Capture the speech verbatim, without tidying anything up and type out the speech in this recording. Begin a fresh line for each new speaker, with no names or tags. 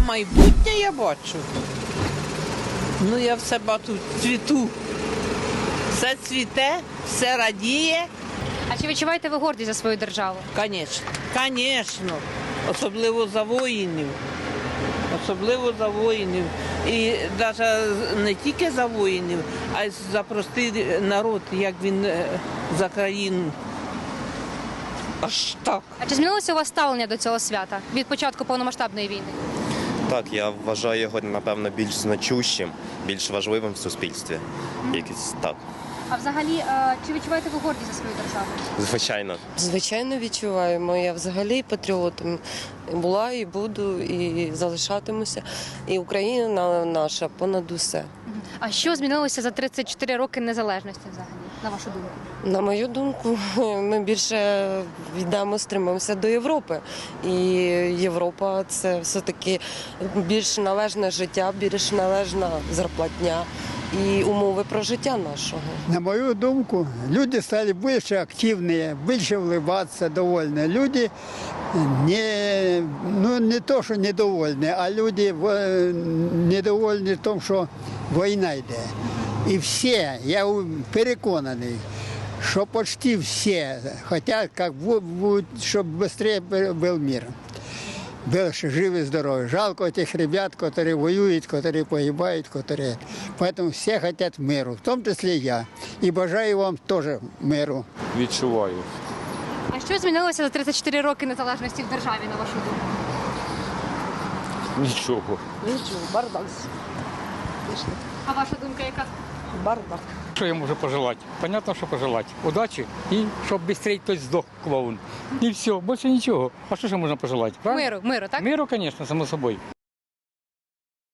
Майбутнє я бачу. Ну, я все бачу цвіту. Все цвіте, все радіє.
А чи відчуваєте ви гордість за свою державу?
Звісно, звісно. Особливо за воїнів. Особливо за воїнів. І навіть не тільки за воїнів, а й за простий народ, як він е, за країну. Аж так.
А чи змінилося у вас ставлення до цього свята від початку повномасштабної війни?
Так, я вважаю його, напевно, більш значущим, більш важливим в суспільстві. Якось так.
А взагалі, е, чи відчуваєте ви гордість за свою державу?
Звичайно.
Звичайно, відчуваємо. Я взагалі патріотом була і буду, і залишатимуся. І Україна наша понад усе.
А що змінилося за тридцять чотири роки незалежності взагалі, на вашу думку?
На мою думку, ми більше йдемо, стримуємося до Європи. І Європа – це все-таки більш належне життя, більш належна зарплатня і умови прожиття нашого.
На мою думку, люди стали больше активные, больше улыбаться, довольны. Люди не, ну, не то, що недовольні, а люди в- недовольні в тому, що війна йде. І всі, я переконаний, що почти всі хочуть, як бу- бу- щоб швидше був мир. Был живы, здоровы. Жалко этих ребят, которые воюют, которые погибают, которые... Поэтому все хотят миру, в том числе я. И бажаю вам тоже миру.
Відчуваю.
А що змінилося за тридцять чотири роки незалежності в державі, на вашу думку?
Нічого.
Нічого, бардак.
А ваша думка яка?
Бардак.
Що я можу пожелати? Понятно, що пожелати. Удачі і щоб швидше хтось здох, клоун. І все, більше нічого. А що ще можна пожелати? Правильно?
Миру, миру, так?
Миру, звісно, само собою.